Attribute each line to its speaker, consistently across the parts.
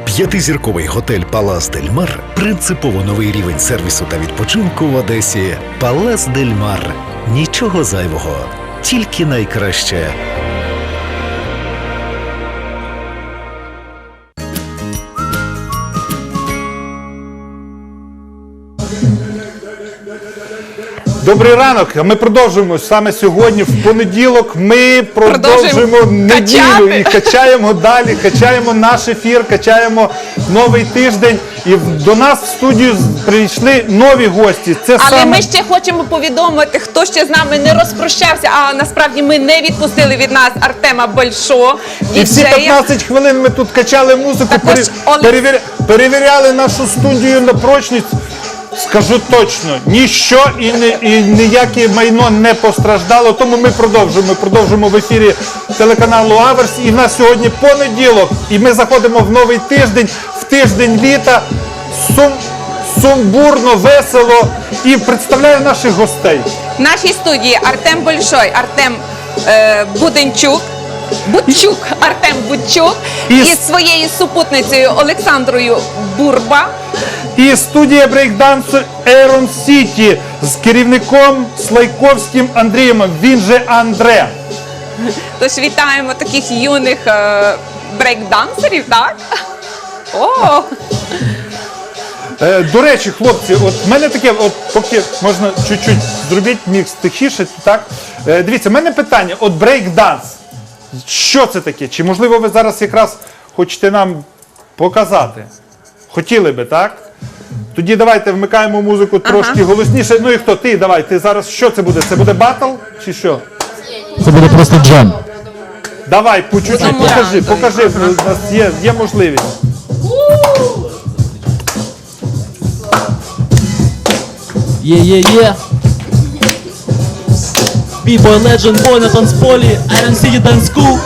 Speaker 1: П'ятизірковий готель «Палас Дель Мар» – принципово новий рівень сервісу та відпочинку в Одесі. «Палас Дель Мар» – нічого зайвого, тільки найкраще.
Speaker 2: Добрий ранок. Ми продовжуємо саме сьогодні, в понеділок. Ми продовжуємо неділю і качаємо далі, качаємо наш ефір, качаємо новий тиждень. І до нас в студію прийшли нові гості.
Speaker 3: Але ми ще хочемо повідомити, хто ще з нами не розпрощався, а насправді ми не відпустили від нас Артема Большо.
Speaker 2: І всі 15 хвилин ми тут качали музику, перевіряли нашу студію на прочність. Скажу точно, ніщо і ніяке майно не постраждало, тому ми продовжуємо в ефірі телеканалу Аверс. І в нас сьогодні понеділок, і ми заходимо в новий тиждень, в тиждень літа, сумбурно, весело, і представляю наших гостей.
Speaker 3: В нашій студії Артем Большой, Артем Артем Будчук із своєю супутницею Олександрою Бурба.
Speaker 2: І студія брейкдансу Aeron City з керівником Слайковським Андрієм, він же Андре.
Speaker 3: Тож вітаємо таких юних брейкдансерів, так? О!
Speaker 2: До речі, хлопці, от в мене таке, от поки можна чуть-чуть зробити мікс тихіше, так? Дивіться, в мене питання, от брейкданс, що це таке? Чи можливо ви зараз якраз хочете нам показати? Хотіли би, так? Тоді давайте вмикаємо музику трошки голосніше. Ну і хто? Ти, давай, ти зараз, що це буде? Це буде батл чи що?
Speaker 4: Це буде просто джем.
Speaker 2: Давай, по чуть-чуть покажи, у нас є можливість.
Speaker 4: Є. B-boy legend, boy на танцполі, Aeron City Dance School.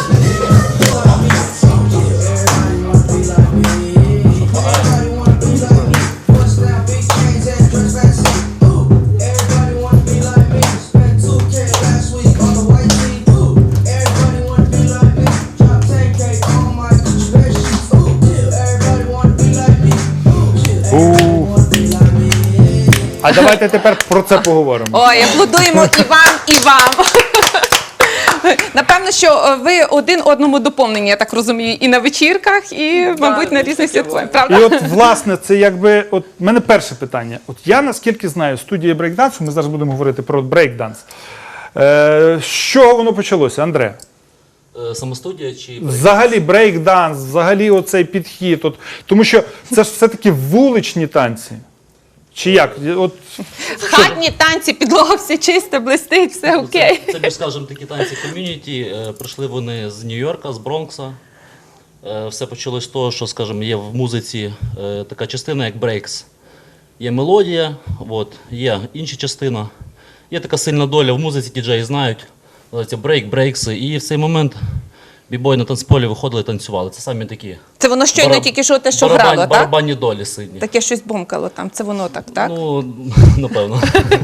Speaker 2: А давайте тепер про це поговоримо.
Speaker 3: Ой, аплодуємо і вам, і вам. Напевно, що ви один одному доповнені, я так розумію, і на вечірках, і, мабуть, на різних святкуваннях, правда?
Speaker 2: І от, власне, це якби, от, в мене перше питання. От я, наскільки знаю, студія брейкдансу, ми зараз будемо говорити про брейкданс. З чого воно почалося, Андре?
Speaker 5: Самостудія чи
Speaker 2: Взагалі брейкданс, взагалі оцей підхід. От, тому що це ж все-таки вуличні танці. Чи як? От,
Speaker 3: Хатні танці, підлога все чисте, блистить, все окей.
Speaker 5: Це більш, скажімо, такі танці ком'юніті. Прийшли вони з Нью-Йорка, з Бронкса. Все почалось з того, що, скажімо, є в музиці така частина, як брейкс. Є мелодія, от, є інша частина. Є така сильна доля в музиці, діджеї знають. Називається брейк, брейкси. І в цей момент бібої на танцполі виходили і танцювали. Це самі такі.
Speaker 3: Це воно щойно тільки що те, що грало, так?
Speaker 5: Барабанні долі сильні.
Speaker 3: Таке щось бомкало там, це воно так, так?
Speaker 5: Ну, напевно.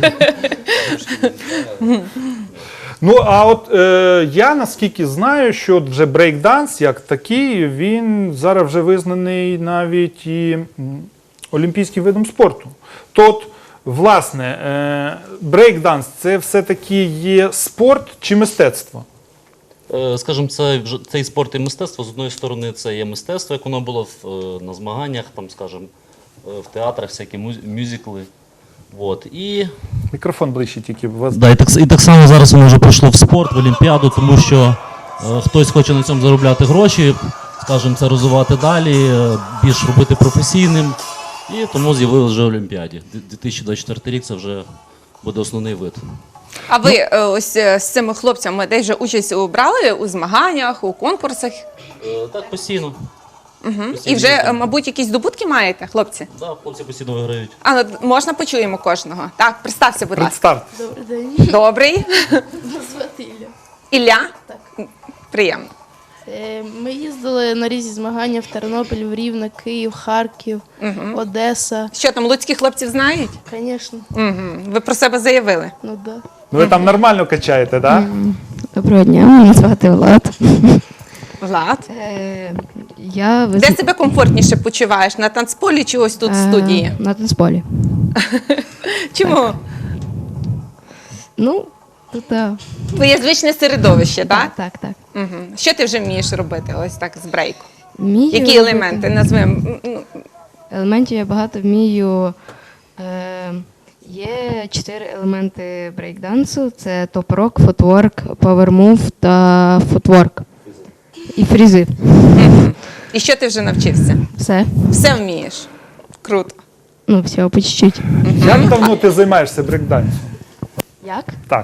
Speaker 2: ну, а от я наскільки знаю, що от вже брейкданс як такий, він зараз вже визнаний навіть і олімпійським видом спорту. То от, власне, брейкданс – це все-таки є спорт чи мистецтво?
Speaker 5: Скажімо, цей спорт і мистецтво, з одної сторони, це є мистецтво, як воно було на змаганнях, там, скажімо, в театрах, всякі мюзикли. От. І...
Speaker 2: Мікрофон ближче тільки.
Speaker 4: Да, і так само зараз воно вже пройшло в спорт, в Олімпіаду, тому що хтось хоче на цьому заробляти гроші, скажімо, це розвивати далі, більш робити професійним. І тому з'явилось вже в Олімпіаді. 2024 рік це вже буде основний вид.
Speaker 3: А ви ось з цими хлопцями десь вже участь брали у змаганнях, у конкурсах?
Speaker 5: Так, постійно.
Speaker 3: І вже, мабуть, якісь здобутки маєте, хлопці?
Speaker 5: Так, хлопці постійно виграють.
Speaker 3: А, ну, можна почуємо кожного? Так, представся, будь ласка.
Speaker 2: Представте.
Speaker 6: Добрий день.
Speaker 3: Добрий.
Speaker 6: Звати Ілля.
Speaker 3: Ілля?
Speaker 6: Так.
Speaker 3: Приємно.
Speaker 6: Ми їздили на різні змагання в Тернопіль, в Рівне, Київ, Харків, Одеса.
Speaker 3: Що там, луцьких хлопців знають?
Speaker 6: Звісно,
Speaker 3: Ви про себе заявили?
Speaker 6: ну да.
Speaker 2: Ну, ви там нормально качаєте, так?
Speaker 7: Доброго дня, мене звати Влад.
Speaker 3: Влад,
Speaker 7: Я
Speaker 3: де себе комфортніше почуваєш? На танцполі чи ось тут в студії?
Speaker 7: На танцполі.
Speaker 3: Чому?
Speaker 7: Ну, тут
Speaker 3: Твоє звичне середовище, так?
Speaker 7: так.
Speaker 3: Угу. Що ти вже вмієш робити ось так з брейку?
Speaker 7: Вмію
Speaker 3: Які
Speaker 7: робити.
Speaker 3: елементи назвемо?
Speaker 7: Елементів я багато вмію. Є 4 елементи брейкдансу: це топ-рок, футворк, павермув та футворк. І фрізи.
Speaker 3: І що ти вже навчився?
Speaker 7: Все.
Speaker 3: Все вмієш. Круто.
Speaker 7: Ну, всього по чуть-чуть.
Speaker 2: Як давно ти займаєшся брейкдансом?
Speaker 7: Як?
Speaker 2: Так.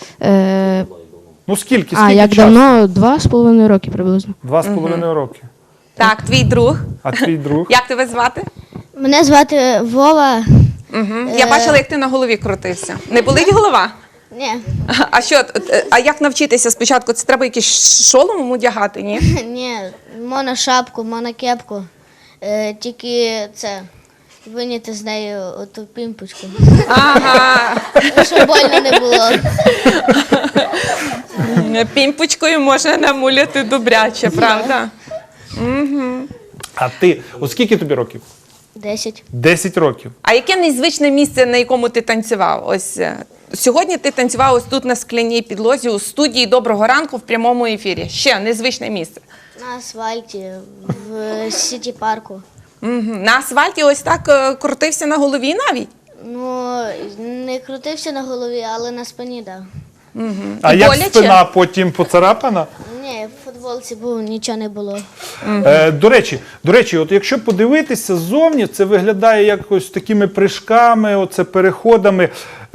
Speaker 2: Ну скільки
Speaker 7: Як
Speaker 2: часу?
Speaker 7: давно? 2,5 роки приблизно.
Speaker 2: 2,5 роки.
Speaker 3: Так, твій друг.
Speaker 2: А твій друг?
Speaker 3: Як тебе звати?
Speaker 8: Мене звати Вова.
Speaker 3: Я бачила, як ти на голові крутився. Не болить голова?
Speaker 8: Ні,
Speaker 3: А що, а як навчитися спочатку? Це треба якийсь шолом одягати, ні?
Speaker 8: ні, можна шапку, можна кепку. Тільки це виняти з неї оту пімпочку,
Speaker 3: Ага.
Speaker 8: щоб больно не було.
Speaker 3: Пімпочкою можна намуляти добряче, правда?
Speaker 2: А ти, от скільки тобі років?
Speaker 8: 10.
Speaker 2: 10 років.
Speaker 3: А яке незвичне місце, на якому ти танцював? Ось сьогодні ти танцював ось тут на скляній підлозі у студії «Доброго ранку» в прямому ефірі. Ще незвичне місце.
Speaker 8: На асфальті, в сіті-парку.
Speaker 3: На асфальті ось так крутився на голові навіть?
Speaker 8: Ну, не крутився на голові, але на спині, так. Да.
Speaker 2: А
Speaker 3: І
Speaker 2: як
Speaker 3: боляче?
Speaker 2: спина потім поцарапана?
Speaker 8: Ні, в футболці був, нічого не було.
Speaker 2: До речі, от якщо подивитися ззовні, це виглядає якось такими прыжками, оце переходами.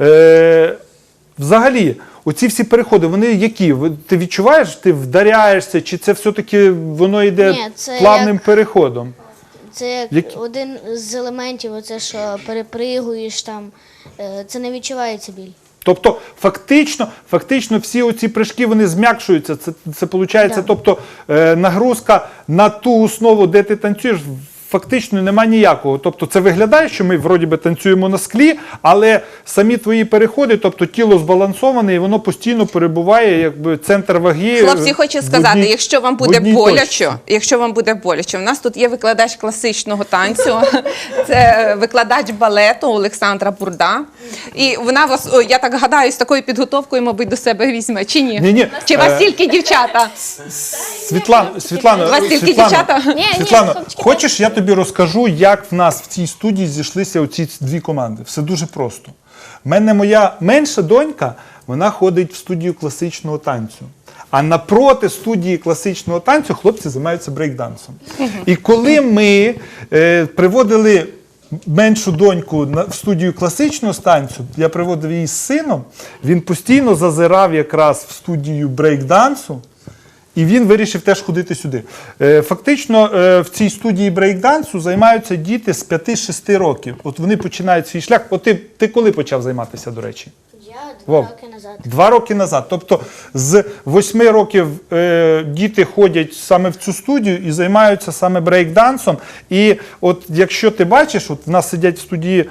Speaker 2: Взагалі, оці всі переходи, вони які? Ти відчуваєш, ти вдаряєшся, чи це все-таки воно йде
Speaker 8: Ні, це
Speaker 2: плавним
Speaker 8: як-
Speaker 2: переходом?
Speaker 8: Це як
Speaker 2: Які?
Speaker 8: один з елементів, оце, що перепригуєш там, це не відчувається біль.
Speaker 2: Тобто, фактично всі оці прыжки, вони зм'якшуються. Це виходить,
Speaker 8: Да.
Speaker 2: тобто нагрузка на ту основу, де ти танцюєш, фактично нема ніякого. Тобто це виглядає, що ми вроді би танцюємо на склі, але самі твої переходи, тобто тіло збалансоване, і воно постійно перебуває, якби центр ваги.
Speaker 3: Хлопці, хочу
Speaker 2: в
Speaker 3: сказати,
Speaker 2: одній-
Speaker 3: якщо вам
Speaker 2: в
Speaker 3: буде
Speaker 2: одній
Speaker 3: боляче,
Speaker 2: точці.
Speaker 3: в нас тут є викладач класичного танцю, це викладач балету Олександра Бурда. І вона вас, я так гадаю, з такою підготовкою, мабуть, до себе візьме, чи ні?
Speaker 2: Ні-ні,
Speaker 3: Чи вас тільки дівчата?
Speaker 2: Світлано,
Speaker 3: У вас тільки дівчата?
Speaker 2: Світлано, хочеш, я тобі розкажу, як в нас в цій студії зійшлися оці дві команди. Все дуже просто. В мене моя менша донька, вона ходить в студію класичного танцю. А напроти студії класичного танцю хлопці займаються брейкдансом. І коли ми приводили меншу доньку в студію класичного танцю, я приводив її з сином, він постійно зазирав якраз в студію брейкдансу, і він вирішив теж ходити сюди. Фактично в цій студії брейкдансу займаються діти з 5-6 років. От вони починають свій шлях. От ти коли почав займатися, до речі?
Speaker 8: Я 2
Speaker 2: Вов.
Speaker 8: роки назад.
Speaker 2: 2 роки назад. Тобто з 8 років діти ходять саме в цю студію і займаються саме брейкдансом. І от якщо ти бачиш, от в нас сидять в студії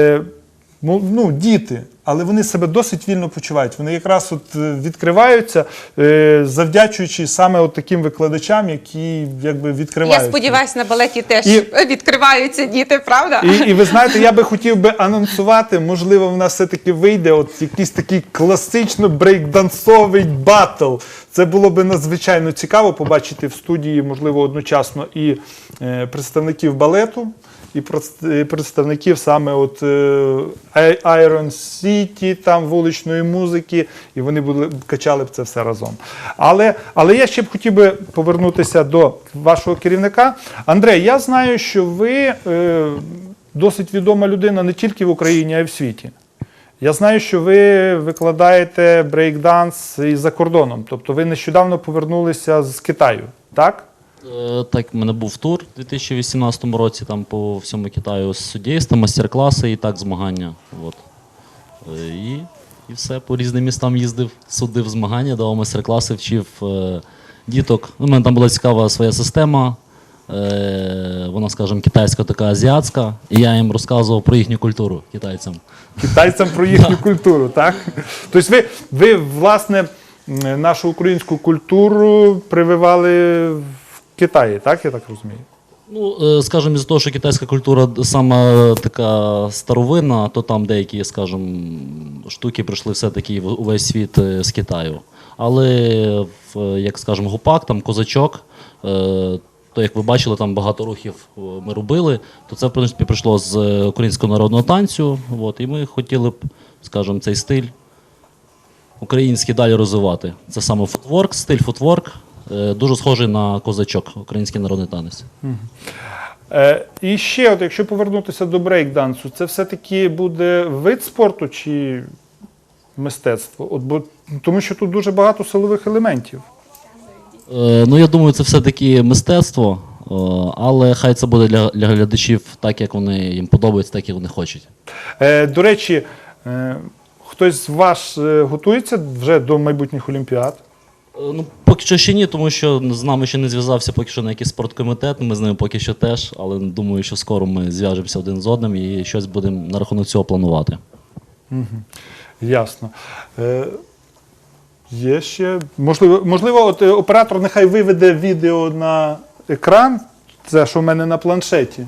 Speaker 2: діти, але вони себе досить вільно почувають. Вони якраз от відкриваються, завдячуючи саме от таким викладачам, які якби відкривають.
Speaker 3: Я сподіваюся, на балеті теж
Speaker 2: І-
Speaker 3: відкриваються діти, правда?
Speaker 2: І ви знаєте, я би хотів би анонсувати, можливо, в нас все-таки вийде от якийсь такий класично брейкдансовий батл. Це було би надзвичайно цікаво побачити в студії, можливо, одночасно і представників балету, і представників саме от Iron City, там вуличної музики, і вони качали б це все разом. Але я ще б хотів би повернутися до вашого керівника. Андрей, я знаю, що ви досить відома людина не тільки в Україні, а й в світі. Я знаю, що ви викладаєте брейкданс і за кордоном. Тобто ви нещодавно повернулися з Китаю, так?
Speaker 5: Так, в мене був тур у 2018 році там по всьому Китаю з суддівством, майстер-класи і так змагання. От. І все, по різним містам їздив, судив змагання, давав майстер-класи, вчив діток. У мене там була цікава своя система, вона, скажімо, китайська така азіатська, і я їм розказував про їхню культуру китайцям.
Speaker 2: Китайцям про їхню культуру, так? Тобто ви власне, нашу українську культуру прививали в Китаї, так, я так розумію?
Speaker 5: Ну, скажімо, із-за того, що китайська культура сама така старовинна, то там деякі, скажімо, штуки прийшли все-таки в увесь світ з Китаю. Але, як скажімо, гупак, там козачок, то як ви бачили, там багато рухів ми робили, то це, в принципі, прийшло з українського народного танцю. От, і ми хотіли б, скажімо, цей стиль український далі розвивати. Це саме футворк, стиль футворк, дуже схожий на козачок, український народний танець.
Speaker 2: І ще, от, якщо повернутися до брейк-дансу, це все-таки буде вид спорту чи мистецтво? От, тому що тут дуже багато силових елементів.
Speaker 5: Ну, я думаю, це все-таки мистецтво, але хай це буде для глядачів так, як вони їм подобається, так, як вони хочуть.
Speaker 2: До речі, хтось з вас готується вже до майбутніх олімпіад?
Speaker 5: Ну, поки що ще ні, тому що з нами ще не зв'язався поки що на якийсь спорткомітет, ми з ними поки що теж, але думаю, що скоро ми зв'яжемося один з одним і щось будемо на рахунок цього планувати.
Speaker 2: Ясно. Є ще. Можливо, от оператор нехай виведе відео на екран. Це що в мене на планшеті.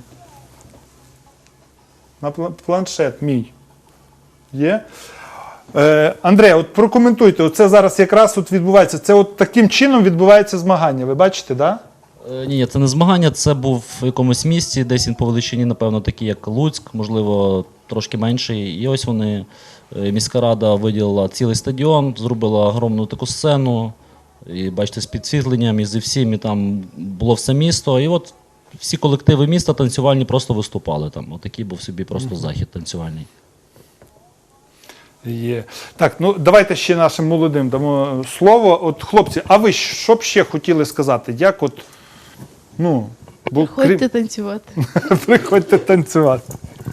Speaker 2: На планшет мій. Є. Андрей, от прокоментуйте, оце зараз якраз от відбувається. Це от таким чином відбувається змагання. Ви бачите, так? Да?
Speaker 5: Ні, це не змагання, це був в якомусь місті, десь він по величині, напевно, такий, як Луцьк, можливо, трошки менший. І ось вони, міська рада виділила цілий стадіон, зробила огромну таку сцену, і бачите, з підсвітленням, і зі всім, і там було все місто. І от всі колективи міста танцювальні просто виступали там. Отакий був собі просто захід танцювальний.
Speaker 2: Є. Так, ну давайте ще нашим молодим дамо слово. От, хлопці, а ви що б ще хотіли сказати? Як от, ну,
Speaker 6: Приходьте танцювати.
Speaker 2: Приходьте танцювати.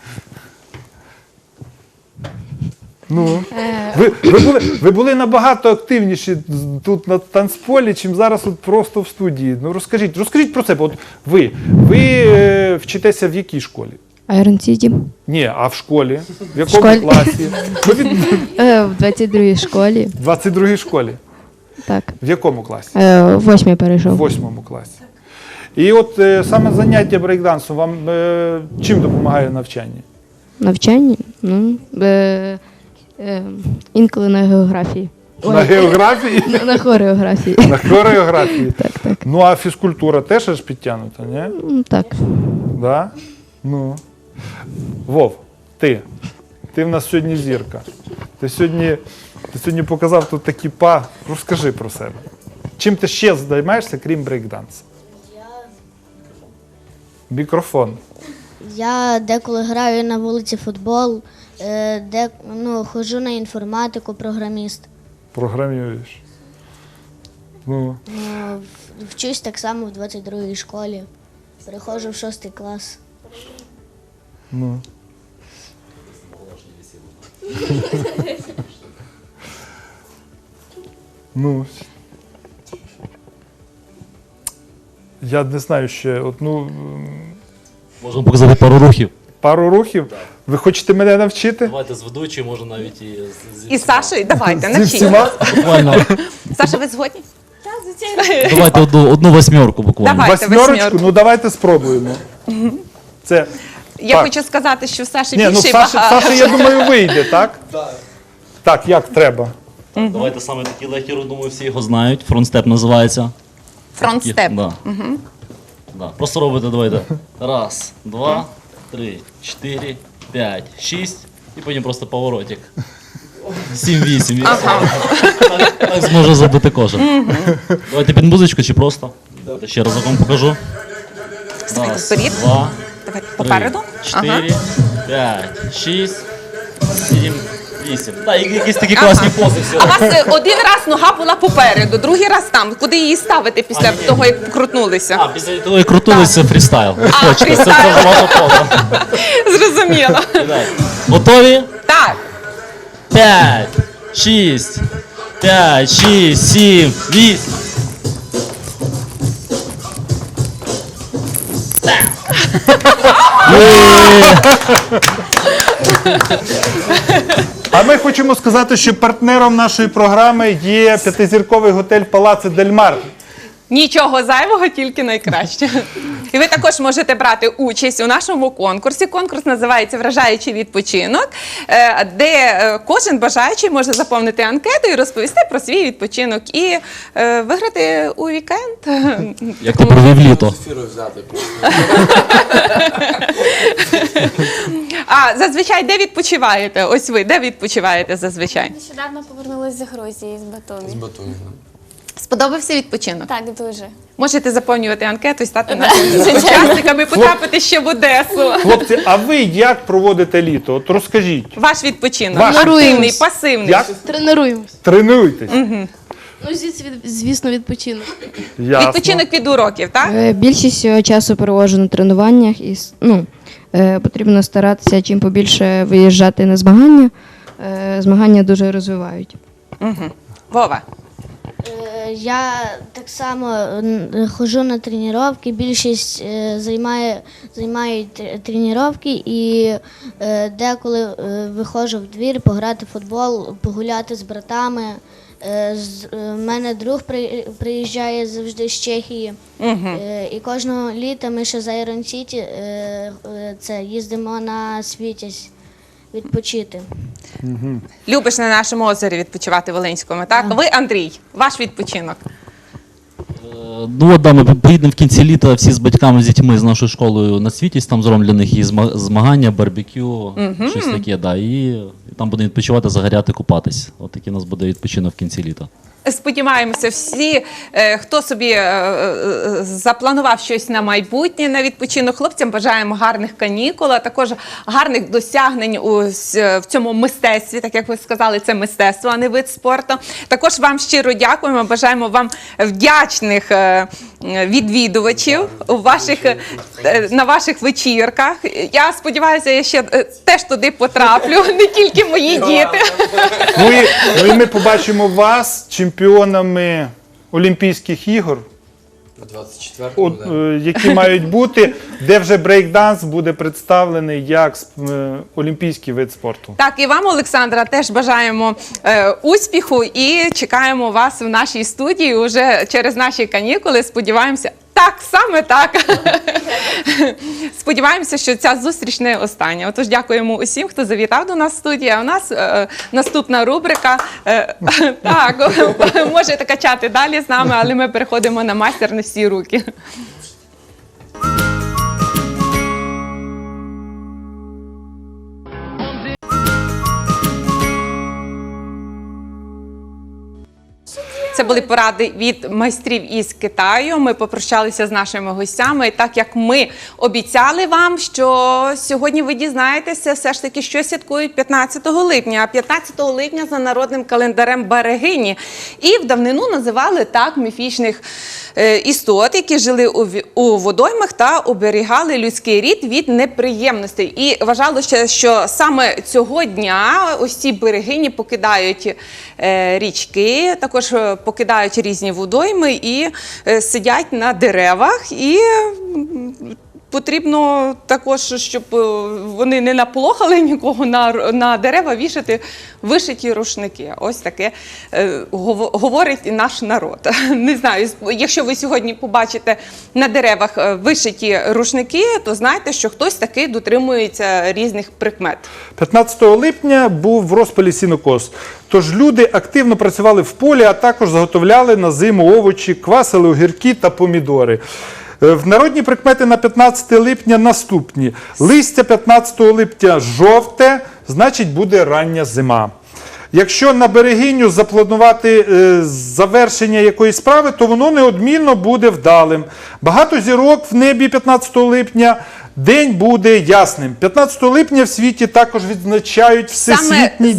Speaker 2: Ну, ви були набагато активніші тут на танцполі, чим зараз от просто в студії. Ну, розкажіть про себе. От ви вчитеся в якій школі?
Speaker 7: Iron City.
Speaker 2: Ні, а в школі? В якому
Speaker 7: школі.
Speaker 2: класі?
Speaker 7: В 22-й школі.
Speaker 2: В 22-й школі.
Speaker 7: Так.
Speaker 2: В якому класі?
Speaker 7: В 8-й перейшов.
Speaker 2: В 8 класі. І от саме заняття брейкдансом вам чим допомагає в навчанні?
Speaker 7: Навчання? Ну, інколи на географії.
Speaker 2: На географії?
Speaker 7: На хореографії.
Speaker 2: На хореографії.
Speaker 7: Так.
Speaker 2: Ну, а фізкультура теж ж підтягнута, ні?
Speaker 7: Так.
Speaker 2: Да? Ну. Вов, ти в нас сьогодні зірка. Ти сьогодні показав тут такі Розкажи про себе. Чим ти ще займаєшся, крім брейкдансу? Мікрофон.
Speaker 8: Я деколи граю на вулиці футбол, ходжу на інформатику, програміст.
Speaker 2: Програмуєш. Ну.
Speaker 8: Вчусь так само в 22-й школі. Переходжу в 6 клас.
Speaker 2: Ну. Ну. Я не знаю ще.
Speaker 5: Можемо показати пару рухів.
Speaker 2: Пару рухів? Ви хочете мене навчити?
Speaker 5: Давайте з ведучою, може навіть і з
Speaker 3: І Сашою, давайте,
Speaker 2: Зі
Speaker 3: навчіть.
Speaker 2: всіма?
Speaker 5: Буквально.
Speaker 3: Саша, ви згодні?
Speaker 5: Давайте одну восьмерку буквально.
Speaker 3: Давайте.
Speaker 2: Восьмерочку?
Speaker 3: восьмерку.
Speaker 2: Ну давайте спробуємо. Це.
Speaker 3: Я
Speaker 2: Так.
Speaker 3: хочу сказати, що в Саші
Speaker 2: Ні, ну
Speaker 3: більший
Speaker 2: Саша,
Speaker 3: багаж.
Speaker 2: я думаю, вийде, так? Так, як треба?
Speaker 5: Давайте саме такий легкий рух, думаю, всі його знають. Фронтстеп називається.
Speaker 3: Фронтстеп.
Speaker 5: Да. Да. Просто робите, давайте. Раз, два, 3, 4, 5, 6 і потім просто поворотик. 7-8. Так зможе забити кожен. Давайте під музичку чи просто. Давайте ще разок вам покажу.
Speaker 3: Ставайте
Speaker 5: Раз,
Speaker 3: вперед.
Speaker 5: два,
Speaker 3: Давай,
Speaker 5: 3,
Speaker 3: попереду.
Speaker 5: 4, 5, 6, 7, 8. Так, якісь такі класні пози.
Speaker 3: А у вас один раз нога була попереду, другий раз там. Куди її ставити після того, як крутнулися?
Speaker 5: А, після того, як крутилися, фрістайл.
Speaker 3: А,
Speaker 5: Точно,
Speaker 3: фрістайл.
Speaker 5: це ваша поза.
Speaker 3: Зрозуміло.
Speaker 5: Готові?
Speaker 3: Так.
Speaker 5: 5, 6, 5, 6, 7, 8.
Speaker 2: А ми хочемо сказати, що партнером нашої програми є п'ятизірковий готель Палаци Дель Мар.
Speaker 3: Нічого зайвого, тільки найкраще. І ви також можете брати участь у нашому конкурсі. Конкурс називається «Вражаючий відпочинок», де кожен бажаючий може заповнити анкету і розповісти про свій відпочинок і виграти у вікенд.
Speaker 4: Як ти провів літо?
Speaker 3: А зазвичай де відпочиваєте? Ось ви, де відпочиваєте зазвичай?
Speaker 9: Нещодавно повернулася з Грузії, з Батумі.
Speaker 3: Сподобався відпочинок?
Speaker 9: Так, дуже.
Speaker 3: Можете заповнювати анкету і стати нашими учасниками, і потрапити ще в Одесу.
Speaker 2: Хлопці, а ви як проводите літо? От розкажіть.
Speaker 3: Ваш відпочинок.
Speaker 2: Ваш.
Speaker 3: Активний, пасивний.
Speaker 2: Як?
Speaker 6: Тренуємось.
Speaker 2: Тренуєтесь?
Speaker 6: Ну, звісно, відпочинок.
Speaker 2: Ясно.
Speaker 3: Відпочинок від уроків, так?
Speaker 7: Більшість часу проводжу на тренуваннях і потрібно старатися чим побільше виїжджати на змагання. Змагання дуже розвивають.
Speaker 3: Вова.
Speaker 8: Я так само ходжу на тренування, більшість займають тренування і деколи виходжу в двір пограти в футбол, погуляти з братами. У мене друг приїжджає завжди з Чехії. І кожного літа ми ще за Iron City їздимо на Світязь відпочити.
Speaker 3: Любиш на нашому озері відпочивати Волинському, так? Ви, Андрій, ваш відпочинок.
Speaker 4: Ну от, да, ми поїдемо в кінці літа всі з батьками, з дітьми, з нашою школою на Світість, там зроблять для них і змагання, барбекю, щось таке, да, і там будемо відпочивати, загоряти, купатись. От такий у нас буде відпочинок в кінці літа.
Speaker 3: Сподіваємося, всі, хто собі запланував щось на майбутнє, на відпочинок, хлопцям бажаємо гарних канікул, а також гарних досягнень в цьому мистецтві, так як ви сказали, це мистецтво, а не вид спорту. Також вам щиро дякуємо, бажаємо вам вдячних відвідувачів на ваших вечірках. Я сподіваюся, я ще теж туди потраплю, не тільки мої діти.
Speaker 2: Ну і ми побачимо вас чемпіонами Олімпійських ігор,
Speaker 10: 24-му,
Speaker 2: які мають бути, де вже брейкданс буде представлений як олімпійський вид спорту.
Speaker 3: Так, і вам, Олександра, теж бажаємо успіху і чекаємо вас в нашій студії уже через наші канікули. Сподіваємося, так, саме так. Сподіваємося, що ця зустріч не остання. Отож, дякуємо усім, хто завітав до нас в студію. А у нас наступна рубрика. Так, можете качати далі з нами, але ми переходимо на майстер на всі руки. Це були поради від майстрів із Китаю. Ми попрощалися з нашими гостями. І так як ми обіцяли вам, що сьогодні ви дізнаєтеся все ж таки, що святкують 15 липня. А 15 липня за народним календарем Берегині. І в давнину називали так міфічних істот, які жили у водоймах та оберігали людський рід від неприємностей. І вважалося, що саме цього дня ось ці берегині покидають річки, також покидають різні водойми і сидять на деревах. І потрібно також, щоб вони не наполохали нікого, на дерева вішати вишиті рушники. Ось таке говорить і наш народ. Не знаю, якщо ви сьогодні побачите на деревах вишиті рушники, то знайте, що хтось таки дотримується різних прикмет.
Speaker 2: 15 липня був в розпалі сінокос. Тож люди активно працювали в полі, а також заготовляли на зиму овочі, квасили огірки та помідори. В народні прикмети на 15 липня наступні. Листя 15 липня жовте, значить буде рання зима. Якщо на берегиню запланувати завершення якоїсь справи, то воно неодмінно буде вдалим. Багато зірок в небі 15 липня, день буде ясним. 15 липня в світі також відзначають Всесвітній день.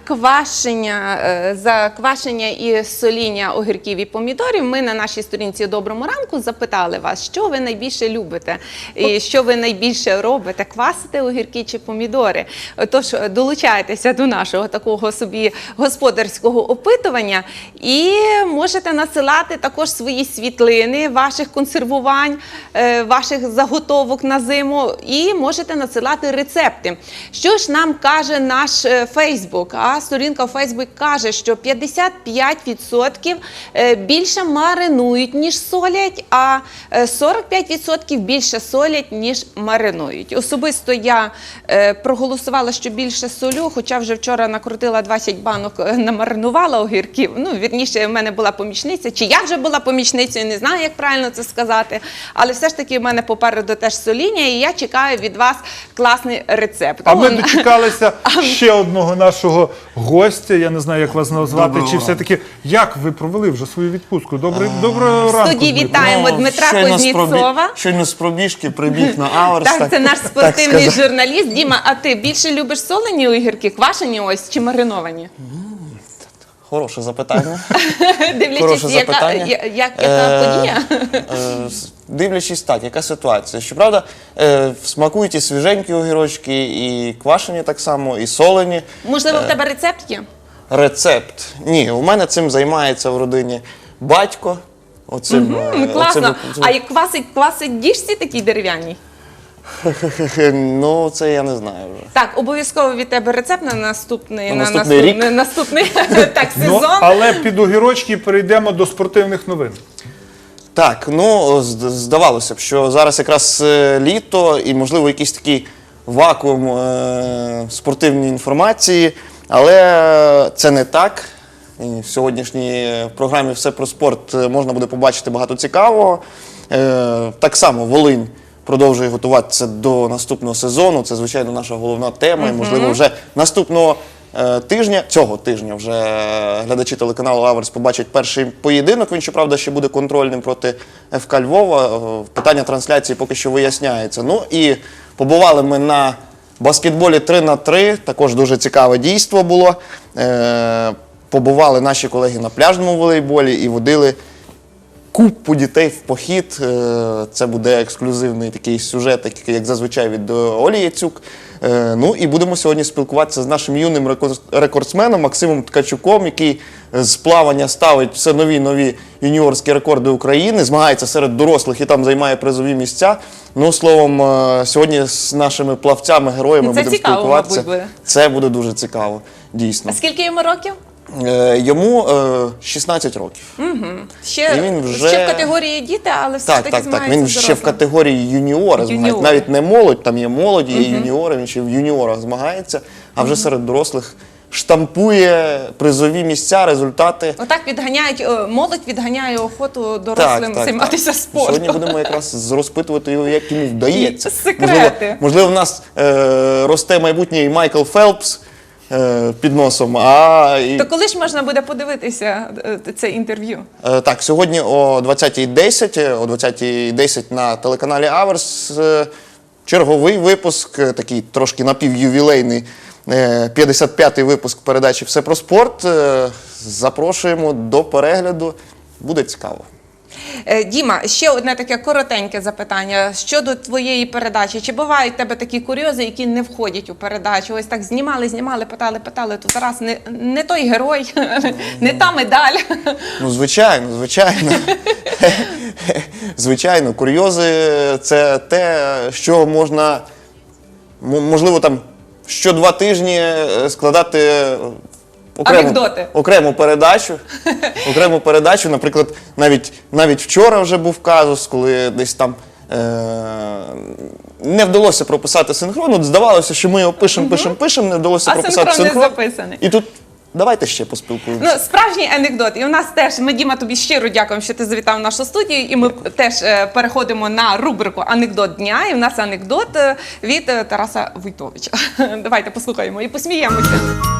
Speaker 3: квашення і соління огірків і помідорів ми на нашій сторінці «Доброму ранку» запитали вас, що ви найбільше любите і що ви найбільше робите, квасите огірки чи помідори. Тож долучайтеся до нашого такого собі господарського опитування і можете насилати також свої світлини ваших консервувань, ваших заготовок на зиму і можете насилати рецепти. Що ж нам каже наш Фейсбук? А сторінка в Фейсбук каже, що 55% більше маринують, ніж солять, а 45% більше солять, ніж маринують. Особисто я проголосувала, що більше солю, хоча вже вчора накрутила 20 банок, намаринувала огірків. Ну, вірніше, в мене була помічниця, чи я вже була помічницею, не знаю, як правильно це сказати, але все ж таки в мене попереду теж соління, і я чекаю від вас класний рецепт.
Speaker 2: А ми дочекалися ще одного нашого гостя, я не знаю, як вас назвати, чи все-таки, як ви провели вже свою відпустку? Доброго ранку,
Speaker 3: В студії
Speaker 2: Дмитро.
Speaker 3: вітаємо Дмитра Кузнєцова.
Speaker 10: Щойно з пробіжки прибіг на Аверс.
Speaker 3: Так, це наш спортивний журналіст. Діма, а ти більше любиш солені огірки, квашені ось чи мариновані?
Speaker 10: Хороше запитання.
Speaker 3: Дивлячись,
Speaker 10: Хороше
Speaker 3: яка
Speaker 10: запитання.
Speaker 3: подія?
Speaker 10: Дивлячись так, яка ситуація. Щоправда, смакують і свіженькі огірочки, і квашені так само, і солені.
Speaker 3: Можливо, в тебе рецепт є?
Speaker 10: Рецепт. Ні, у мене цим займається в родині батько.
Speaker 3: Класно. А як квасить діжці такій дерев'яній?
Speaker 10: Ну, це я не знаю вже.
Speaker 3: Так, обов'язково від тебе рецепт на наступний
Speaker 10: рік?
Speaker 3: наступний так,
Speaker 2: Ну,
Speaker 3: сезон.
Speaker 2: але під огірочки перейдемо до спортивних новин.
Speaker 10: Так, ну, здавалося б, що зараз якраз літо і, можливо, якийсь такий вакуум спортивної інформації, але це не так. І в сьогоднішній програмі «Все про спорт» можна буде побачити багато цікавого. Так само Волинь продовжує готуватися до наступного сезону. Це, звичайно, наша головна тема. І, можливо, вже наступного тижня, цього тижня, вже глядачі телеканалу «Аверс» побачать перший поєдинок. Він, щоправда, ще буде контрольним проти ФК Львова. Питання трансляції поки що виясняється. Ну і побували ми на баскетболі 3х3. Також дуже цікаве дійство було. Побували наші колеги на пляжному волейболі і водили купу дітей в похід. Це буде ексклюзивний такий сюжет, як зазвичай від Олі Яцюк. Ну і будемо сьогодні спілкуватися з нашим юним рекордсменом Максимом Ткачуком, який з плавання ставить все нові юніорські рекорди України, змагається серед дорослих і там займає призові місця. Ну, словом, сьогодні з нашими плавцями, героями будемо спілкуватися.
Speaker 3: Мабуть, буде.
Speaker 10: Це буде дуже цікаво, дійсно.
Speaker 3: А скільки йому років?
Speaker 10: Йому 16 років.
Speaker 3: Ще,
Speaker 10: І він вже...
Speaker 3: ще в категорії діти, але все ж таки змагається
Speaker 10: Він
Speaker 3: з
Speaker 10: ще в
Speaker 3: дорослими.
Speaker 10: категорії юніора змагається. Навіть не молодь, там є молоді, є юніори, він ще в юніорах змагається, а вже серед дорослих штампує призові місця, результати.
Speaker 3: Отак молодь відганяє охоту дорослим займатися спортом.
Speaker 10: Сьогодні будемо якраз розпитувати його, як йому вдається.
Speaker 3: Секрети.
Speaker 10: Можливо, в нас росте майбутній Майкл Фелпс під носом.
Speaker 3: То коли ж можна буде подивитися це інтерв'ю?
Speaker 10: Так, сьогодні о 20:10 на телеканалі «Аверс» черговий випуск, такий трошки напівювілейний, 55-й випуск передачі «Все про спорт». Запрошуємо до перегляду, буде цікаво.
Speaker 3: Діма, ще одне таке коротеньке запитання щодо твоєї передачі. Чи бувають в тебе такі курйози, які не входять у передачу? Ось так знімали, питали, то зараз не той герой, не та медаль.
Speaker 10: Ну, звичайно. Звичайно, курйози – це те, що можна, можливо, там, що 2 тижні складати окрему передачу. Наприклад, навіть вчора вже був казус, коли десь там не вдалося прописати синхрон. От здавалося, що ми його пишемо, не вдалося прописати синхрон.
Speaker 3: А синхрон не записаний.
Speaker 10: І тут давайте ще поспілкуємося.
Speaker 3: Ну, справжній анекдот. І у нас теж, ми, Діма, тобі щиро дякуємо, що ти завітав в нашу студію. І ми теж переходимо на рубрику «Анекдот дня». І у нас анекдот від Тараса Войтовича. Давайте послухаємо і посміємося.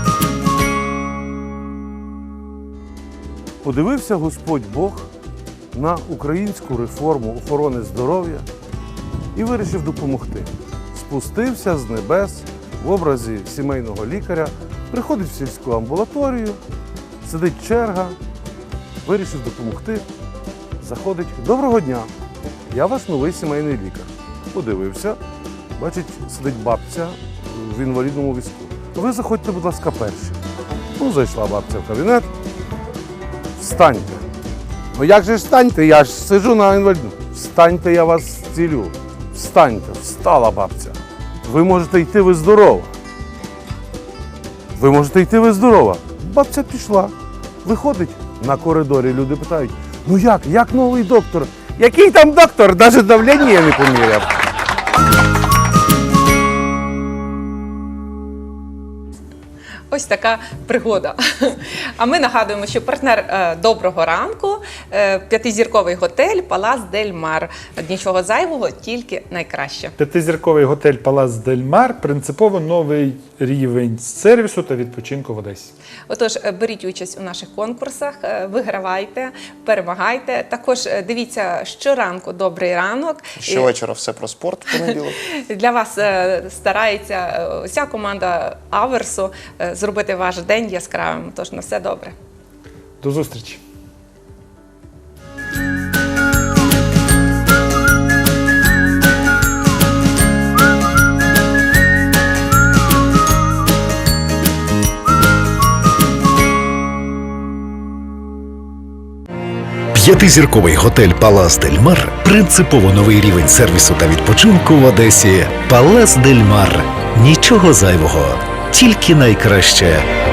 Speaker 11: Подивився Господь Бог на українську реформу охорони здоров'я і вирішив допомогти. Спустився з небес в образі сімейного лікаря Приходить в сільську амбулаторію, сидить черга, вирішив допомогти. Заходить: доброго дня, я ваш новий сімейний лікар. Подивився, бачить, сидить бабця в інвалідному візку. Ви заходьте, будь ласка, перші. Ну, зайшла бабця в кабінет. Встаньте. Ну як же ж встаньте? Я ж сиджу на інвалідному. Встаньте, я вас зцілю. Встаньте. Встала бабця. Ви можете йти, ви здорова. Ви можете йти, ви здорова. Бабця пішла. Виходить на коридорі, люди питають: ну як новий доктор? Який там доктор? Навіть давлення я не поміряв.
Speaker 3: Ось така пригода. А ми нагадуємо, що партнер доброго ранку – п'ятизірковий готель «Палас Дель Мар». Нічого зайвого, тільки найкраще.
Speaker 2: П'ятизірковий готель «Палас Дель Мар» принципово новий рівень сервісу та відпочинку в Одесі.
Speaker 3: Отож, беріть участь у наших конкурсах, вигравайте, перемагайте. Також дивіться щоранку «Добрий ранок».
Speaker 10: Щовечора все про спорт в понеділок.
Speaker 3: Для вас старається вся команда Аверсу зробити ваш день яскравим. Тож на все добре.
Speaker 2: До зустрічі!
Speaker 1: П'ятизірковий готель «Палас Дель Мар» – принципово новий рівень сервісу та відпочинку в Одесі. «Палас Дель Мар» – нічого зайвого, тільки найкраще.